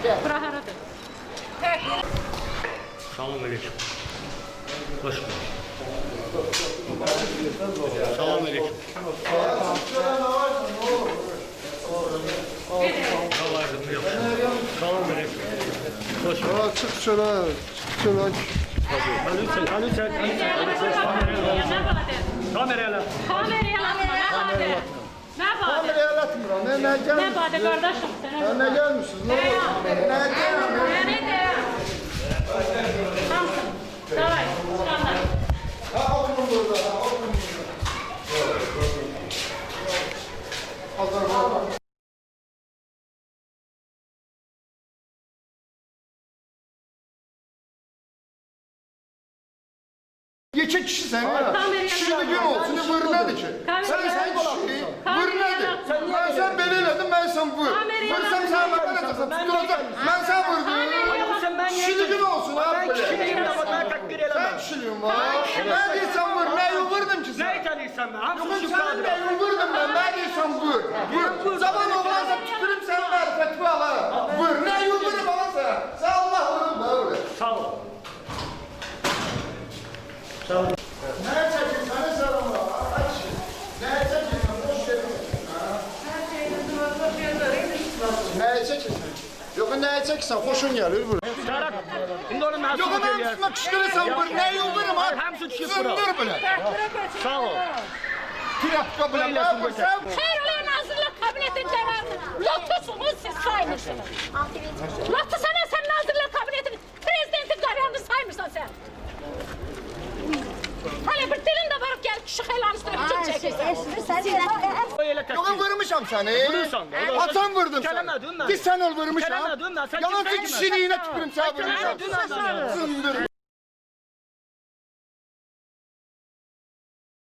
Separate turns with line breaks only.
Bura haradır?
Salam aleyküm. Hoş geldin. Salam aleyküm. Salam aleyküm. Hoş geldin.
Çık şöyle,
Ali çek. Kameraya lan.
Ne bade?
Kameraya atmıram. Ne
Ne
gelmişsiniz?
bade kardeşim?
Ne gelmişsiniz? Ne oldu? Ne gelmişsiniz?
Tamsın. Davay. Çıkanlar.
Ha oturun burada. Ha oturun burada. Hazır. İki kişi sen ya. Şimdi gün olsun, vur nedir ki? Sen kişi, vur nedir? Ben sen beni elədim, ben sen vur. Vursam sen bana ne desin? Tutulacak. Ben sen vurdum. Şimdi gün olsun abi. Sen kişiliğin var. Ne diyorsan vur, neyi vurdum ki sen?
Ne italıysan ben? Hamsın
Yok
şu
sen
kadar.
neyi vurdum ben, ne diyorsan vur. Vur. Zaman oğlansa tükürüm sen marifetimi ala. Vur, neyi vurup alasa? Sen Allah vurun da vur.
Sağ ol.
Ne çekin, sana sarılma. Aç. Ne çekin, boş verin. Ne çekin? Yok ne çeksen, hoşun gelir vur.
Serhat. Şimdi onu ben
Yok
sana
ben üstüne kışkırırsan vur, neyi vururum ha?
Hamsın şu kadar.
Zındır bile.
Sağ ol.
Trafika bile ne yaparsan?
Xeyr Nazirlər Kabinetinin qərarını lotusunuz siz saymırsınız. Lotu sana sen Nazirlər Kabinetinin prezidentin qərarını saymırsan sen. Hala bir dilin de varıp gel kişi xeylan üstüne bütün çekirsen.
Yok vurmuşam seni.
Vurursan da.
Atan vurdun sen.
Kelemedim ben.
Biz sen ol vurmuşam.
Kelemedim ben. Sen
Yalan
kimsin ki ben?
kişiliğine tükürüm sen vurmuşam.
Kelemedim ben.
Zındır.